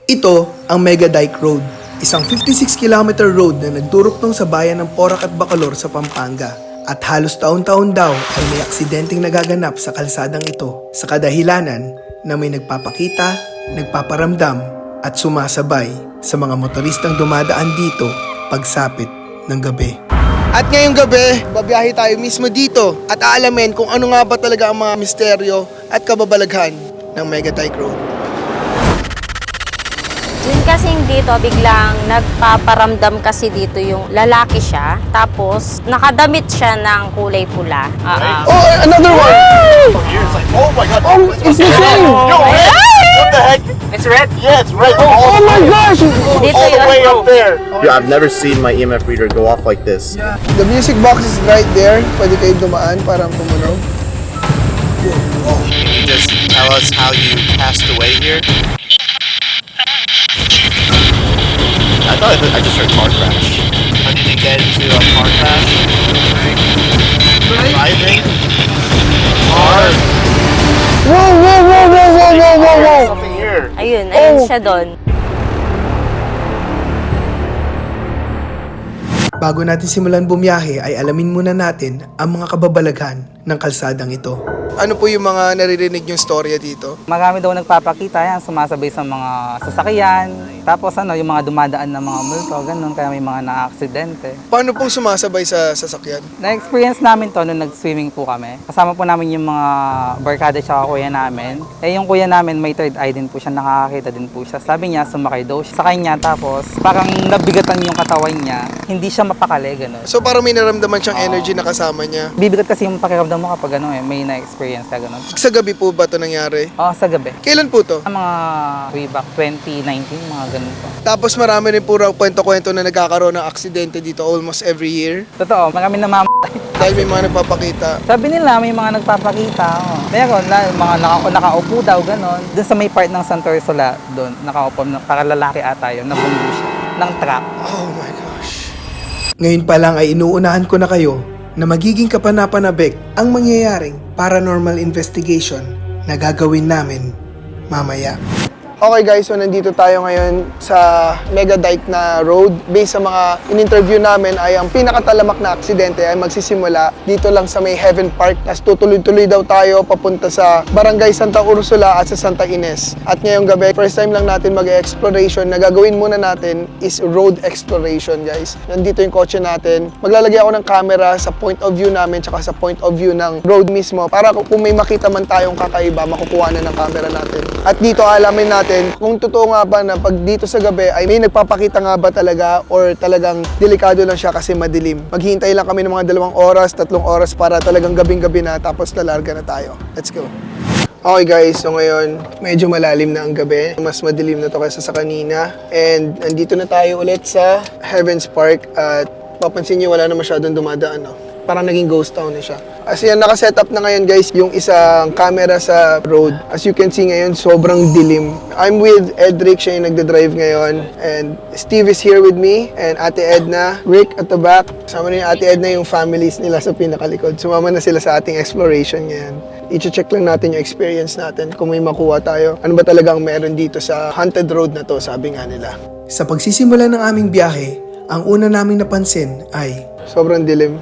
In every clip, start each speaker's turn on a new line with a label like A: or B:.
A: Ito ang Mega Dike Road, isang 56-kilometer road na nagdurugtong sa bayan ng Porac at Bacolor sa Pampanga. At halos taon-taon daw ay may aksidenteng nagaganap sa kalsadang ito sa kadahilanan na may nagpapakita, nagpaparamdam at sumasabay sa mga motoristang dumadaan dito pagsapit ng gabi. At ngayong gabi, babiyahe tayo mismo dito at aalamin kung ano nga ba talaga ang mga misteryo at kababalaghan ng Mega Dike Road.
B: Yun kasing dito, biglang nagpaparamdam kasi dito yung lalaki siya. Tapos, nakadamit siya ng kulay pula.
A: Oh, another one!
C: Oh my god!
A: Oh, it's the same!
C: Yo, red! What the heck?
B: It's red?
C: Yeah, it's red.
A: Oh my gosh!
B: Dito
C: All the
B: yun.
C: way up there. Yeah, I've never seen my EMF reader go off like this.
A: The music box is right there. Pwede kayo dumaan para tumunog.
D: Can you just tell us how you passed away here?
C: I thought I just heard car crash.
D: How did you get into a car crash?
C: Driving?
D: Car?
A: Whoa, whoa, whoa, whoa, whoa, whoa, whoa, whoa!
C: Something here.
B: Ayun
A: Oh.
B: siya doon.
A: Bago natin simulan bumiyahe ay alamin muna natin ang mga kababalaghan ng kalsadang ito. Ano po yung mga naririnig yung storya dito?
E: Marami daw nagpapakita yan, sumasabay sa mga sasakyan. Tapos yung mga dumadaan na mga multo, ganun, kaya may mga na-aksidente.
A: Paano po sumasabay sa sasakyan?
E: Na-experience namin to nung nag-swimming po kami. Kasama po namin yung mga barkada tsaka kuya namin. Yung kuya namin may third eye din po siya, nakakakita din po siya. Sabi niya, sumakay daw siya sa kanya, tapos parang nabigatan yung katawan niya. Hindi siya mapakali, ganun.
A: So parang may naramdaman siyang energy na kasama niya.
E: Bibigat kasi yung pakiramdam mo kapag may na-experience ka, ganun.
A: Sa gabi po ba ito nangyari?
E: Sa gabi.
A: Kailan po to?
E: Mga way back 2019, mga ganun po.
A: Tapos marami rin po raw kwento-kwento na nagkakaroon ng aksidente dito almost every year.
E: Totoo, marami
A: Dahil may mga nagpapakita.
E: Sabi nila may mga nagpapakita. Pero mga nakaupo daw, gano'n. Doon sa may part ng Santo Ursula, doon, nakaupo, para lalaki ata yun, nabunggo siya ng truck.
A: Oh my gosh. Ngayon pa lang ay inuunahan ko na kayo na magiging kapanapanabik ang mangyayaring paranormal investigation na gagawin namin mamaya. Okay guys, so nandito tayo ngayon sa Mega Dike na road. Based sa mga in-interview namin ay ang pinakatalamak na aksidente ay magsisimula dito lang sa may Heaven Park. Tapos tutuloy-tuloy daw tayo papunta sa Barangay Santa Ursula at sa Santa Ines. At ngayong gabi, first time lang natin mag-exploration na gagawin muna natin is road exploration guys. Nandito yung kotse natin. Maglalagay ako ng camera sa point of view namin tsaka sa point of view ng road mismo para kung may makita man tayong kakaiba, makukuha na ng camera natin. At dito alamin natin kung totoo nga ba na pag dito sa gabi ay may nagpapakita nga ba talaga or talagang delikado lang siya kasi madilim. Maghihintay lang kami ng mga 2 oras, 3 oras para talagang gabing-gabi na tapos lalarga na tayo. Let's go. Okay guys, so ngayon medyo malalim na ang gabi. Mas madilim na to kaysa sa kanina. And nandito na tayo ulit sa Heavens Park at papansin niyo wala na masyadong dumadaan. No? Parang naging ghost town na siya. As yan, nakaset up na ngayon guys yung isang camera sa road. As you can see ngayon, sobrang dilim. I'm with Edric, siya yung nagda-drive ngayon. And Steve is here with me. And Ate Edna, Rick at the back. Kasama na yung Ate Edna yung families nila sa pinakalikod. Sumama na sila sa ating exploration ngayon. I-check lang natin yung experience natin kung may makuha tayo. Ano ba talagang meron dito sa haunted road na to, sabi nga nila. Sa pagsisimula ng aming biyahe, ang una naming napansin ay sobrang dilim.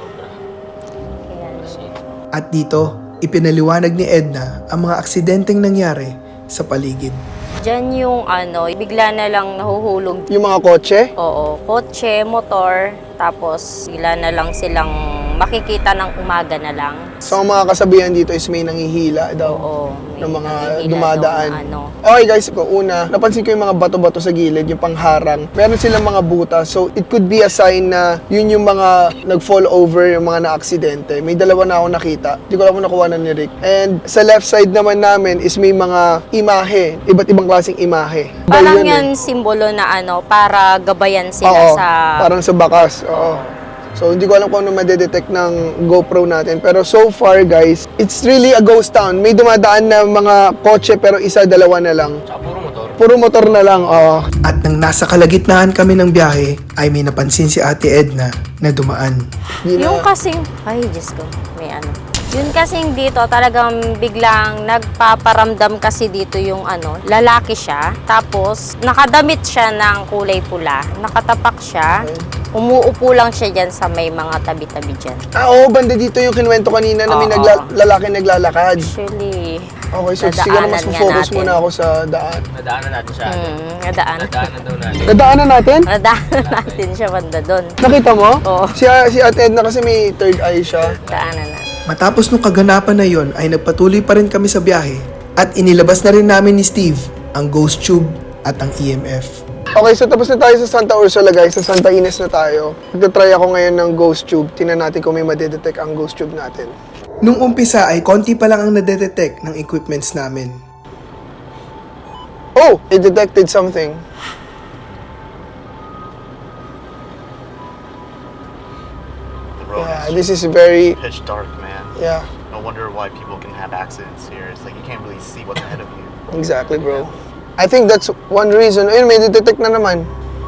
A: At dito, ipinaliwanag ni Edna ang mga aksidenteng nangyari sa paligid.
B: Diyan yung bigla na lang nahuhulog.
A: Yung mga kotse,
B: Oo, kotse, motor, tapos bigla na lang silang makikita ng umaga na lang.
A: so ang mga kasabihan dito is may nangihila daw
B: Oo, may
A: ng mga
B: nakikita
A: dumadaan.
B: nung
A: Okay guys, una, napansin ko yung mga bato-bato sa gilid, yung pangharang. Meron silang mga butas, so it could be a sign na yun yung mga nag-fall over, yung mga na-aksidente. May 2 na ako nakita. Hindi ko alam kung nakuha na ni Rick. And sa left side naman namin is may mga imahe, iba't ibang klaseng imahe.
B: Parang
A: Dahil
B: yan simbolo na para gabayan sila
A: Oo,
B: sa...
A: parang sa bakas. Oo. So, hindi ko alam kung ano madedetect ng GoPro natin. Pero so far, guys, it's really a ghost town. May dumadaan na mga kotse pero 1-2 na lang. Puro motor na lang, oo. At nang nasa kalagitnaan kami ng biyahe, ay may napansin si Ate Edna na dumaan.
B: Yung kasing... Ay, Diyos ko. May Yun kasing dito, talagang biglang nagpaparamdam kasi dito yung lalaki siya. Tapos, nakadamit siya ng kulay pula. Nakatapak siya. Umuupo lang siya dyan sa may mga tabi-tabi dyan.
A: Oo, banda dito yung kinuwento kanina na may
B: Oo.
A: lalaki naglalakad.
B: Actually,
A: Okay, so siguro mas
B: Nadaanan nga
A: focus
B: natin.
A: muna ako sa daan.
F: Nadaanan natin siya.
B: nadaan.
F: Nadaanan daw natin.
A: Nadaanan natin?
B: Nadaanan natin siya banda doon.
A: Nakita mo?
B: Oo.
A: Si Ate Edna kasi may third eye siya.
B: Daanan na.
A: Matapos nung kaganapan na yon ay nagpatuloy pa rin kami sa biyahe at inilabas na rin namin ni Steve ang ghost tube at ang EMF. Okay, so tapos na tayo sa Santa Ursula guys, sa Santa Ines na tayo. Magta-try ako ngayon ng ghost tube. Tingnan natin kung may madedetect ang ghost tube natin. Nung umpisa ay konti pa lang ang nadedetect ng equipments namin. Oh! It detected something.
C: The road
A: Yeah,
C: is
A: this is very...
C: pitch dark, man.
A: Yeah,
C: No wonder why people can have accidents here. It's like you can't really see what's ahead of you.
A: exactly bro. I think that's one reason. Ayun, may detect na naman.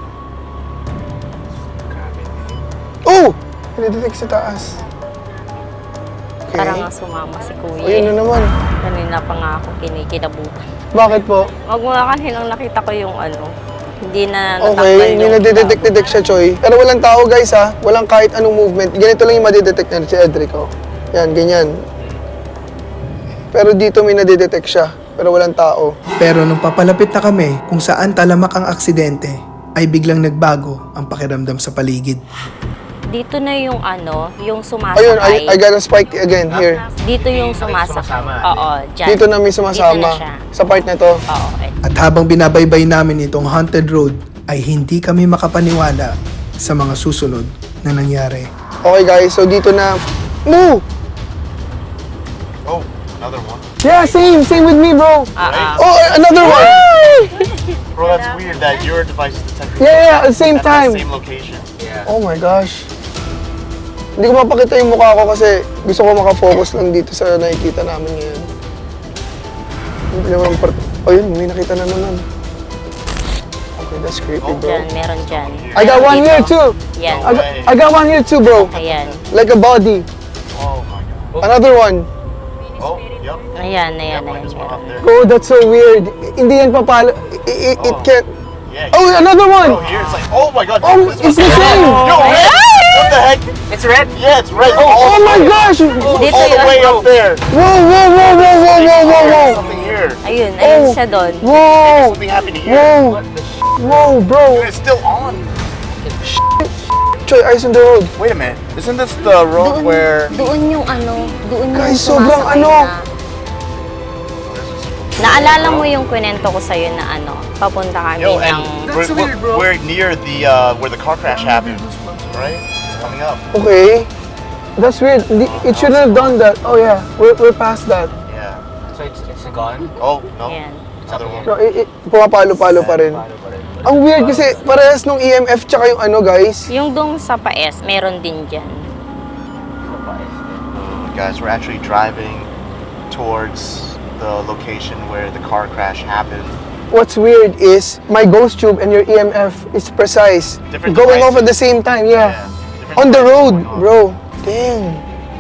A: Oh! May detect sa taas. Okay.
B: Parang nga sumama si Kuya.
A: Ayun na naman.
B: Kanina pa nga ako kinikinabutan.
A: Bakit po?
B: Wag mo nga kaninang nakita ko yung hindi na natakpan
A: Okay, may
B: yung
A: nadidetect siya, Choy. Pero walang tao, guys, ha? Walang kahit anong movement. Ganito lang yung madidetect na si Edric, oh. Yan, ganyan. Pero dito may nadidetect siya. Pero walang tao. Pero nung papalapit na kami kung saan talamak ang aksidente, ay biglang nagbago ang pakiramdam sa paligid.
B: Dito na yung yung
A: Ayun,
B: sumasakay.
A: I got a spike again here.
B: Dito yung sumasakay.
F: sumasama.
B: Oo, dyan.
A: Dito na may
B: Dito
A: sumasama.
B: na siya.
A: Sa part na to.
B: Oo, okay.
A: At habang binabaybay namin itong haunted road, ay hindi kami makapaniwala sa mga susunod na nangyari. Okay guys, so dito na... No!
C: Oh, another one.
A: Yeah, same with me, bro. Oh, another one!
C: Bro, that's weird that your device is detecting
A: Yeah, at the same
C: at the
A: time.
C: same location.
A: Oh my gosh. Hindi ko mapakita yung mukha ko kasi gusto ko makafocus lang dito sa nakikita namin ngayon. Hindi naman oh yun, may nakita na naman. Okay, that's creepy, bro.
B: Dyan, meron dyan.
A: I got one
B: Dito.
A: here too.
B: Yan.
A: I got one here too, bro.
B: Ayan.
A: Like a body.
C: Oh my god.
A: Another one.
C: Oh, yep.
B: Ayan,
C: Yep,
B: ayan,
C: I
B: ayan.
C: just went up there.
A: Bro, that's so weird. Hindi yan papalo. It can't.
C: Yeah.
A: Oh, another one.
C: Bro, here it's like, oh my god.
A: Oh,
C: this
A: it's
C: was-
A: the same.
C: Yo, red. What the heck?
F: It's red?
C: Yeah, it's red.
A: Oh my gosh.
B: Dito
C: All the
B: yun.
C: way up there.
A: Whoa.
C: Something here.
B: Ayun
A: Oh.
B: siya doon.
A: Whoa.
C: Something happened here.
A: Whoa, bro.
C: Dude, it's still on.
A: Choy, eyes on the road.
C: Wait a minute. Isn't this the road where...
B: Doon yung doon
A: Guys,
B: yung
A: sobrang
B: sumasakay
A: ano.
B: na. Naalala mo yung kwento ko sa'yo na papunta kami
C: Yo,
B: ng...
C: and we're near the where the car crash happened, right? It's coming up.
A: Okay. That's weird. It shouldn't have done that. Oh yeah, we're past that.
C: Yeah.
F: So it's gone?
C: Oh no.
B: Ayan.
C: Another one.
A: No, pumapalo-palo pa rin. Ang weird kasi parehas nung EMF tsaka yung guys.
B: Yung dong sa paes, meron din dyan.
C: Guys, we're actually driving towards the location where the car crash happened.
A: What's weird is my ghost tube and your EMF is precise.
C: Different
A: Going off
C: devices.
A: at the same time, yeah.
C: Different
A: On the
C: devices
A: road,
C: going on.
A: bro. Dang.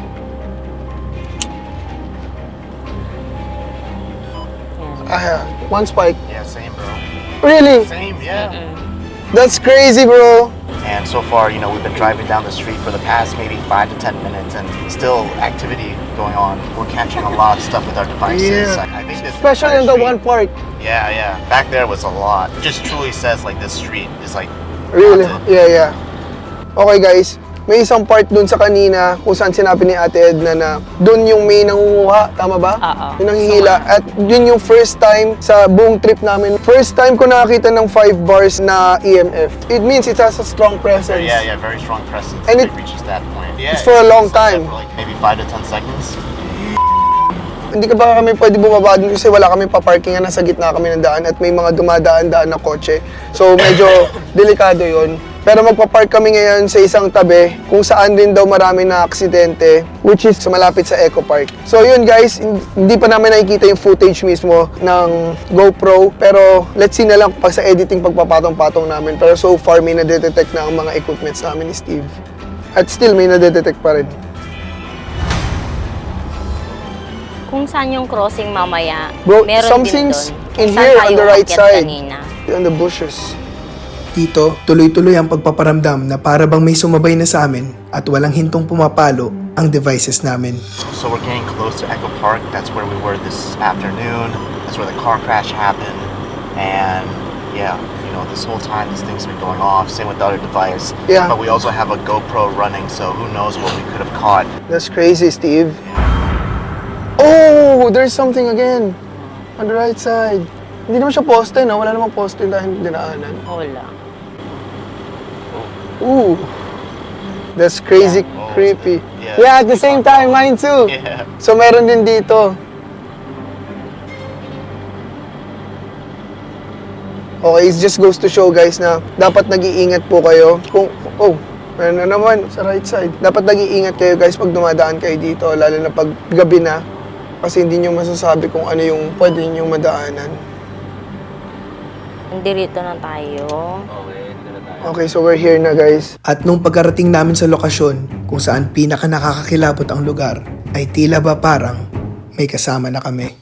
A: One spike.
C: Yeah, same, bro.
A: Really?
C: Same, yeah.
A: That's crazy, bro.
C: And so far, we've been driving down the street for the past maybe 5 to 10 minutes, and still activity going on. We're catching a lot of stuff with our devices.
A: Yeah.
C: I think this
A: Especially in
C: entire
A: the one
C: street-
A: part.
C: Yeah. Back there was a lot. It just truly says like this street is like
A: Really?
C: haunted.
A: Yeah. Okay guys, may isang part dun sa kanina kung saan sinabi ni Ate Edna na dun yung may nangunguha, tama ba?
B: Oo.
A: Yung nanghihila. At yun yung first time sa buong trip namin. First time ko nakakita ng 5 bars na EMF. It means it has a strong presence.
C: Yeah, very strong presence.
A: And
C: if
A: it-
C: reaches that point. Yeah,
A: it's for a long
C: it's like
A: time.
C: that for like maybe 5 to 10 seconds.
A: Hindi ka ba kami pwede bumaba dun kasi wala kami pa-parkingan, nasa gitna kami ng daan at may mga dumadaan-daan na kotse. So medyo delikado yon. Pero magpa-park kami ngayon sa isang tabi kung saan din daw marami na aksidente, which is sa malapit sa Eco Park. So yun guys, hindi pa namin nakikita yung footage mismo ng GoPro, pero let's see na lang pag sa editing pagpapatong-patong namin. Pero so far may nadedetect na ang mga equipments namin ni Steve. At still may nadedetect pa rin.
B: Kung saan yung crossing mamaya,
A: Bro,
B: meron
A: something's
B: din doon.
A: in
B: Kung saan
A: here on
B: tayo
A: the right
B: umakyat
A: side.
B: Kanina.
A: In the bushes. Dito, tuloy-tuloy ang pagpaparamdam na para bang may sumabay na sa amin at walang hintong pumapalo ang devices namin.
C: So we're getting close to Echo Park. That's where we were this afternoon. That's where the car crash happened. And yeah, you know, this whole time these things have been going off. Same with the other device.
A: Yeah.
C: But we also have a GoPro running, so who knows what we could have caught.
A: That's crazy, Steve. Oh, there's something again. On the right side. Hindi naman siya poste, no? Wala namang poste dahil dinaanan.
B: Wala.
A: Ooh. That's crazy
C: Oh,
A: creepy.
C: yeah.
A: Yeah, at the same time, mine too.
C: Yeah.
A: So meron din dito. Okay, it just goes to show guys na dapat nag-iingat po kayo. Kung, oh, meron na naman sa right side. Dapat nag-iingat kayo guys pag dumadaan kayo dito, lalo na pag gabi na. Kasi hindi nyo masasabi kung ano yung pwede nyo madaanan.
B: Dirito na tayo.
F: Okay, dito na tayo.
A: Okay, so we're here na guys. At nung pagkarating namin sa lokasyon kung saan pinaka nakakakilabot ang lugar, ay tila ba parang may kasama na kami.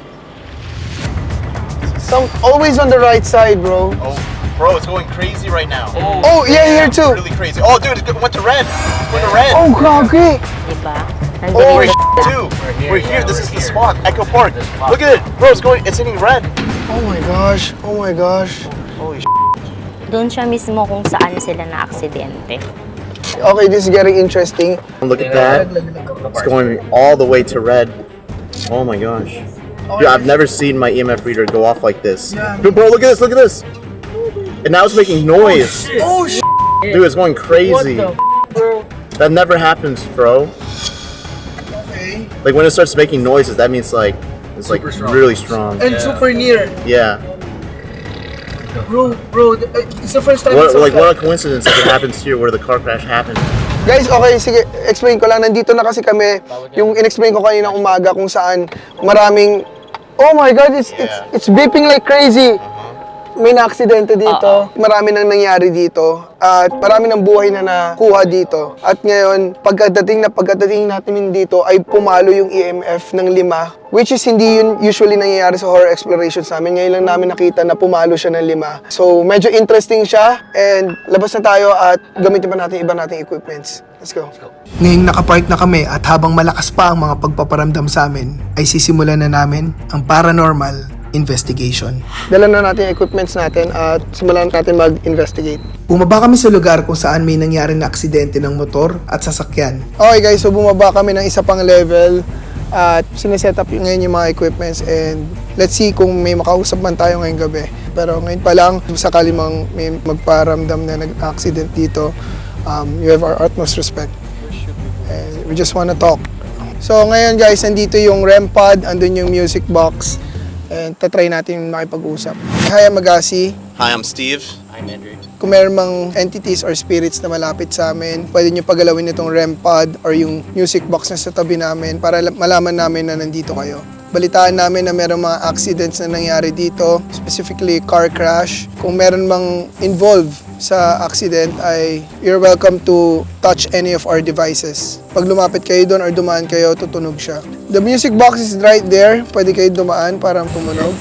A: Always on the right side, bro.
C: Oh, bro, it's going crazy right now.
A: Oh, yeah, here too.
C: Really crazy. Oh, dude, it went to red. It went to red.
A: Oh, grabe.
B: Diba?
A: Oh,
C: We're
B: Nandito.
C: too.
F: We're
C: We're
F: here,
C: here.
F: yeah,
C: This
F: we're
C: is the
F: here.
C: spot, Echo Park.
F: This spot.
C: Look at it, bro. It's hitting red.
A: Oh my gosh. Oh my gosh.
C: Holy
B: Doon siya mismo kung saan sila na-aksidente.
A: Okay, this is getting interesting.
C: Look at that. It's going all the way to red. Oh my gosh. Dude, I've never seen my EMF reader go off like this. Dude, bro, look at this. Look at this. And now it's making noise.
A: Oh, shit.
C: Dude, it's going crazy. That never happens, bro.
A: Okay.
C: Like when it starts making noises, that means like it's like really strong.
A: And super near.
C: Yeah.
A: Bro, it's the first time
C: What a coincidence that it happens here where the car crash happened.
A: Guys, okay, sige, explain ko lang. Nandito na kasi kami, yung in-explain ko kanina umaga kung saan maraming, oh my God, it's beeping like crazy. May na-aksidente dito, marami nang nangyari dito, at marami ng buhay na nakuha dito. At ngayon, pagkadating natin dito ay pumalo yung EMF ng 5, which is hindi yun usually nangyayari sa horror explorations namin. Ngayon lang namin nakita na pumalo siya ng 5. So, medyo interesting siya, and labas na tayo at gamitin pa natin iba nating equipments. Let's go. Ngayong nakapark na kami at habang malakas pa ang mga pagpaparamdam sa amin, ay sisimulan na namin ang paranormal investigation. Dala na natin yung equipments natin at simulan natin mag-investigate. Bumaba kami sa lugar kung saan may nangyari na aksidente ng motor at sasakyan. Okay guys, so bumaba kami ng isa pang level at sineset up ngayon yung mga equipments, and let's see kung may makausap man tayo ngayong gabi. Pero ngayon pa lang, sakali mang may magparamdam na nag-accident dito, you have our utmost respect. And we just wanna talk. So ngayon guys, nandito yung REM pod, andun yung music box, and tatry natin makipag-usap. Hi, I'm Agassi.
D: Hi, I'm Steve.
F: I'm Andrew.
A: Kung meron mang entities or spirits na malapit sa amin, pwede nyo pagalawin itong REM pod or yung music box na sa tabi namin para malaman namin na nandito kayo. Balitaan namin na meron mga accidents na nangyari dito, specifically car crash. Kung meron mang involved sa accident ay you're welcome to touch any of our devices. Pag lumapit kayo doon or dumaan kayo, tutunog siya. The music box is right there. Pwede kayo dumaan para tumunog.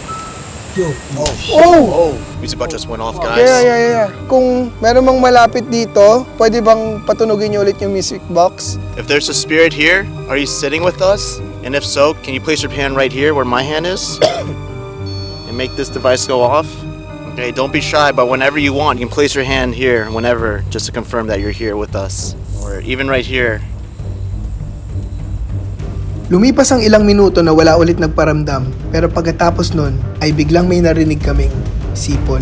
A: Oh!
D: Music box just went off, guys.
A: Yeah. Kung meron mang malapit dito, pwede bang patunogin niyo ulit yung music box?
D: If there's a spirit here, are you sitting with us? And if so, can you place your hand right here where my hand is? And make this device go off? Okay, don't be shy, but whenever you want, you can place your hand here whenever, just to confirm that you're here with us. Or even right here.
A: Lumipas ang ilang minuto na wala ulit nagparamdam, pero pagkatapos nun ay biglang may narinig kaming sipon.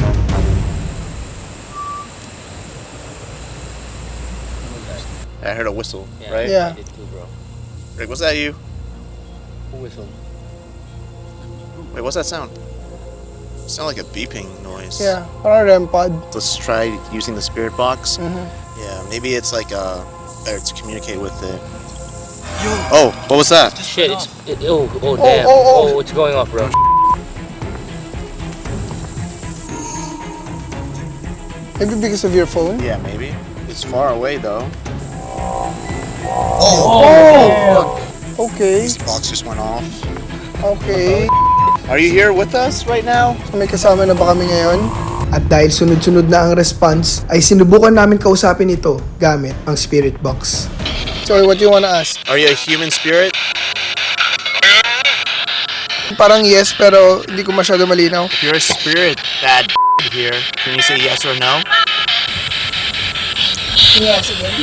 D: I heard a whistle,
F: Yeah,
D: right?
A: Yeah.
F: I did too, bro.
D: Rick, was that you?
F: Who whistled?
D: Wait, what's that sound? It sounded like a beeping noise.
A: Yeah, parang REM pod.
D: Let's try using the spirit box.
A: Mhm.
D: Yeah, maybe it's like better to communicate with it. Oh, what was that?
F: Shit, damn.
A: oh.
F: It's going off, bro.
A: Maybe because of your phone?
D: Yeah, maybe. It's far away though.
A: Okay,
D: This box just went off.
A: okay.
D: Are you here with us right now?
A: May kasama na ba kami ngayon? At dahil sunod-sunod na ang response, ay sinubukan namin kausapin ito gamit ang spirit box. Sorry, what do you wanna ask?
D: Are you a human spirit?
A: Parang yes, pero hindi ko masyado malinaw.
D: If you're a spirit that here, can you say yes or no?
A: Yes, again.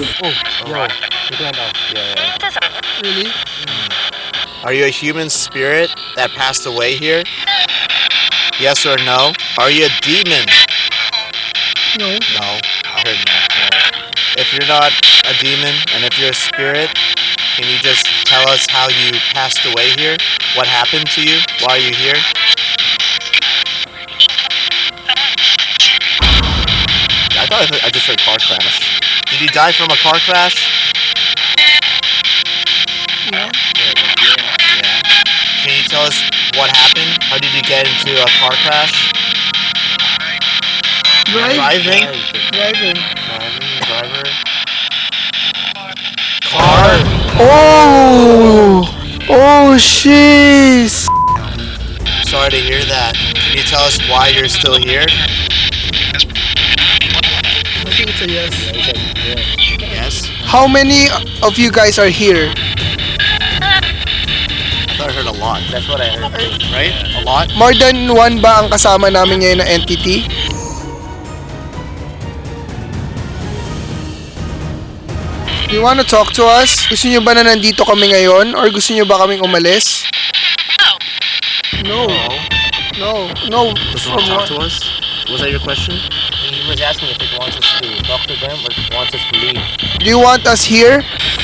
A: Really?
D: Are you a human spirit that passed away here? Yes or no? Are you a demon?
A: No.
D: No. I heard no. If you're not a demon and if you're a spirit, can you just tell us how you passed away here? What happened to you? Why are you here? I thought I just heard car crash. Did you die from a car crash?
A: No.
D: Yeah. Can you tell us what happened? How did you get into a car crash? Driving?
A: Driving.
D: Driver. Car.
A: Oh! Oh, jeez!
D: Sorry to hear that. Can you tell us why you're still here?
A: I think it's a yes.
D: Yes.
A: How many of you guys are here?
D: I thought I heard a lot.
F: That's what I heard.
D: Right? A lot?
A: More than one ba ang kasama namin ngayon na entity? Do you wanna talk to us? Gusto niyo ba na nandito kami ngayon? Or gusto niyo ba kaming umalis? No. No. No.
D: Does
A: From
D: want to talk
A: what?
D: to us? Was that your question?
F: He was asking if it wants us to talk to them or if it wants us to leave.
A: Do you want us here?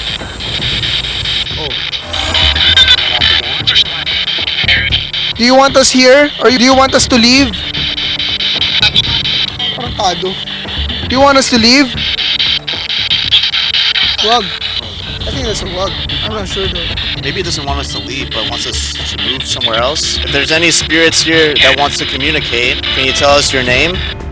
A: Do you want us here? Or do you want us to leave? Parang tado. Do you want us to leave? Wag. I think that's a wag. I'm not sure though.
D: Maybe it doesn't want us to leave, but wants us to move somewhere else. If there's any spirits here that wants to communicate, can you tell us your name?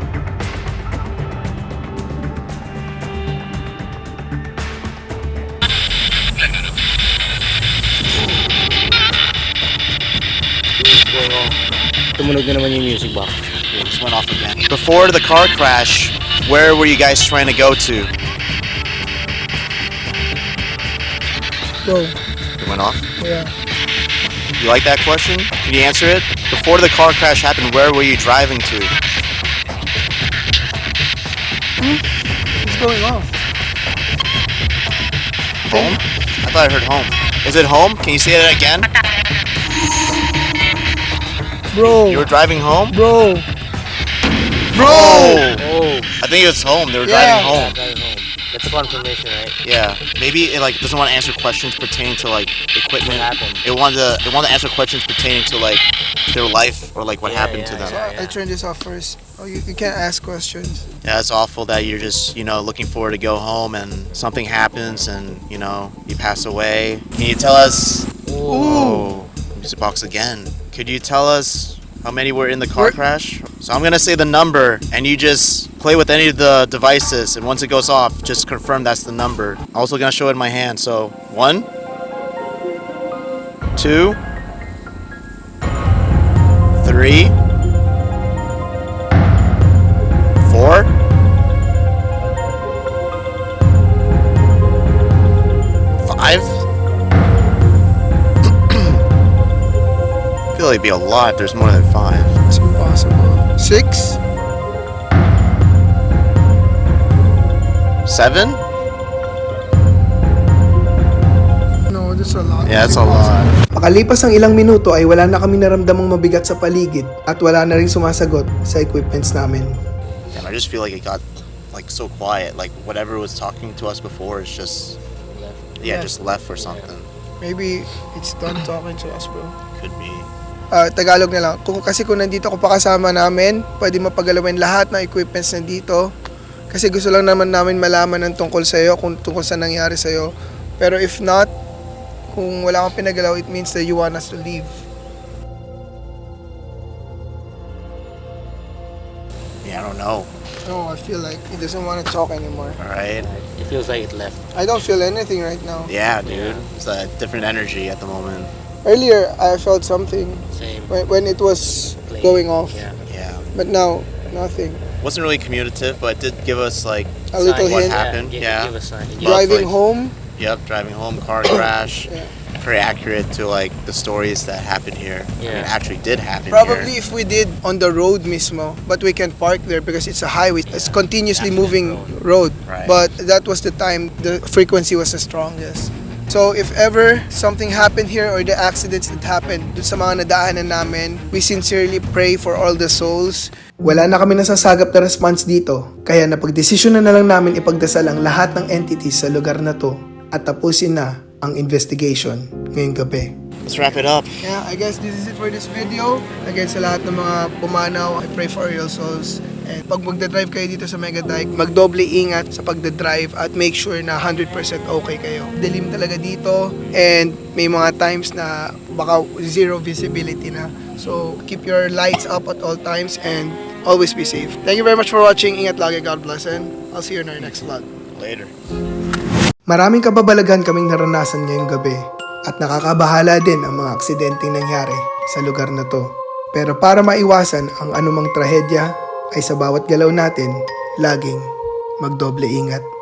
F: Tumunog na naman yung music box.
D: It just went off again. Before the car crash, where were you guys trying to go to?
A: Bro.
D: It went off?
A: Yeah.
D: You like that question? Can you answer it? Before the car crash happened, where were you driving to?
A: What's going on?
D: Home? I thought I heard home. Is it home? Can you say that again?
A: Bro.
D: You were driving home?
A: Bro. Bro.
F: Oh,
D: I think it's home. They were
A: Yeah.
D: driving home.
F: driving home. That's a confirmation, right?
D: Yeah. Maybe it like doesn't want to answer questions pertaining to like equipment.
F: What happened?
D: It wanted to answer questions pertaining to like their life or like what happened to them.
A: I turn this off first. Oh, you can't ask questions.
D: Yeah, it's awful that you're just, looking forward to go home and something happens and, you pass away. Can you tell us? Oh, music box again. Could you tell us how many were in the car crash? So I'm gonna say the number and you just play with any of the devices and once it goes off, just confirm that's the number. I'm also gonna show it in my hand. So 1, 2, 3, 4, 5. I feel like it'd be a lot if there's more than 5.
A: It's impossible. 6?
D: 7?
A: No, that's a lot.
D: Yeah, that's a lot.
A: Makalipas ang ilang minuto ay wala na kami naramdamang mabigat sa paligid at wala na rin sumasagot sa equipments namin.
D: Damn, I just feel like it got so quiet. Like whatever was talking to us before is just just left or something.
A: Maybe it's done talking to us, bro.
D: Could be.
A: Tagalog na lang. Kasi kung nandito ko pa kasama namin, pwede mapagalawin lahat ng equipments nandito. Kasi gusto lang naman namin malaman ng tungkol sa'yo, kung tungkol sa nangyari sa'yo. Pero if not, kung wala kang pinagalaw, it means that you want us to leave.
D: Yeah, I don't know.
A: No, I feel like he doesn't want to talk anymore.
D: All right.
F: It feels like it left.
A: I don't feel anything right now.
D: Yeah, dude. It's a different energy at the moment.
A: Earlier, I felt something
F: Same.
A: when it was
F: Playing.
A: going off.
F: Yeah.
D: Yeah.
A: But now, nothing.
D: Wasn't really communicative, but it did give us like
A: A little
D: what
A: hint.
D: happened.
F: Give,
D: Yeah.
F: give us a hint.
D: Love,
A: Driving
D: like-
A: home,
D: Yep, driving home, car crash.
A: Yeah.
D: Very accurate to like the stories that happened here. I mean,
F: Yeah.
D: actually did happen
A: probably
D: here.
A: if we did on the road mismo, but we can park there because it's a highway. It's continuously moving road.
D: Right.
A: But that was the time the frequency was the strongest. So if ever something happened here or the accidents that happened dun sa mga nadaanan namin, we sincerely pray for all the souls. Wala na kami nasasagap na response dito, kaya napagdesisyon na lang namin ipagdasal ang lahat ng entities sa lugar na to at tapusin na ang investigation ngayong gabi.
D: Let's wrap it up.
A: Yeah, I guess this is it for this video. Again, sa lahat ng mga pumanaw, I pray for your souls. And pag magdadrive kayo dito sa Mega Dike, magdoble ingat sa pagdadrive at make sure na 100% okay kayo. Dilim talaga dito and may mga times na baka zero visibility na. So, keep your lights up at all times and always be safe. Thank you very much for watching. Ingat lagi. God bless and I'll see you in our next vlog.
D: Later.
A: Maraming kababalagan kaming naranasan ngayong gabi at nakakabahala din ang mga aksidenteng nangyari sa lugar na to. Pero para maiwasan ang anumang trahedya ay sa bawat galaw natin, laging magdoble ingat.